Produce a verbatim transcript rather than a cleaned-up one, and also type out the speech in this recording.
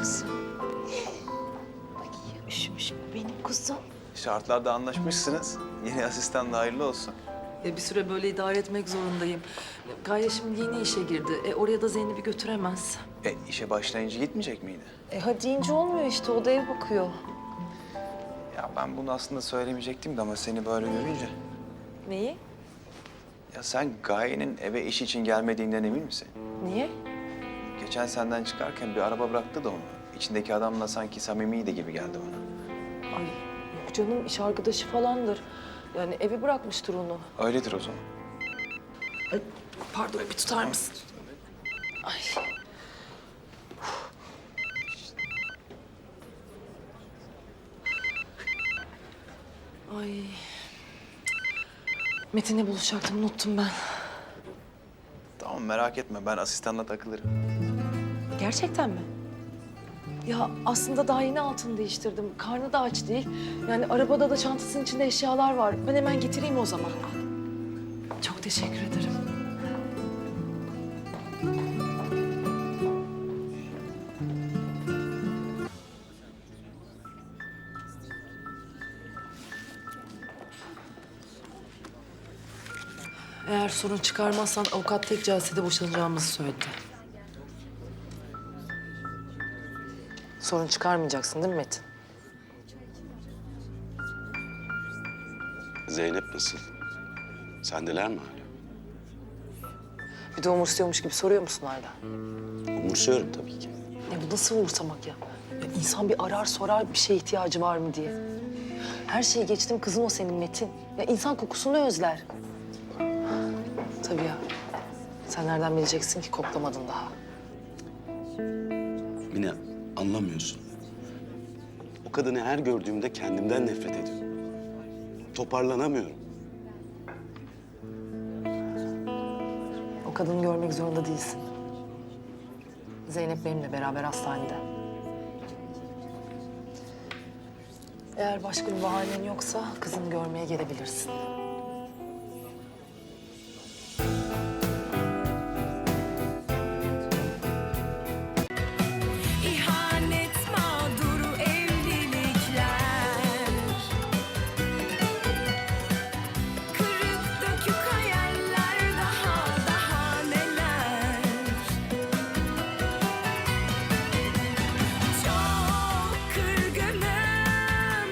kuzum. Ay, üşümüş mü benim kuzum? Şartlarda anlaşmışsınız. Yeni asistan da hayırlı olsun. E, bir süre böyle idare etmek zorundayım. Gaye şimdi yeni işe girdi. E, oraya da Zeynep'i götüremez. E işe başlayınca gitmeyecek miydi? E hadi ince olmuyor işte, o da ev bakıyor. Ya ben bunu aslında söylemeyecektim de ama seni böyle görünce... Neyi? Ya sen Gaye'nin eve iş için gelmediğinden emin misin? Niye? Geçen senden çıkarken bir araba bıraktı da onu. İçindeki adamla sanki samimiydi gibi geldi bana. Ay yok canım, iş arkadaşı falandır. Yani evi bırakmıştır onu. Öyledir o zaman. Ay, pardon bir tutar mısın? Ay. Ay. Metin'le buluşacaktım, unuttum ben. Tamam merak etme ben asistanla takılırım. Gerçekten mi? Ya aslında daha yeni altını değiştirdim. Karnı da aç değil. Yani arabada da çantasının içinde eşyalar var. Ben hemen getireyim o zaman. Çok teşekkür ederim. Eğer sorun çıkarmazsan avukat tek celsede boşanacağımızı söyledi. Sorun çıkarmayacaksın değil mi Metin? Zeynep nasıl? Sendeler mi hala? Bir de umursuyormuş gibi soruyor musun hala? Umursuyorum tabii ki. Ya bu nasıl umursamak ya? Ya insan bir arar sorar bir şeye ihtiyacı var mı diye. Her şeyi geçtim, kızın o senin Metin. Ya insan kokusunu özler. Tabii ya. Sen nereden bileceksin ki, koklamadın daha. Mine, anlamıyorsun. O kadını her gördüğümde kendimden nefret ediyorum. Toparlanamıyorum. O kadını görmek zorunda değilsin. Zeynep benimle beraber hastanede. Eğer başka bir bahanen yoksa kızını görmeye gelebilirsin.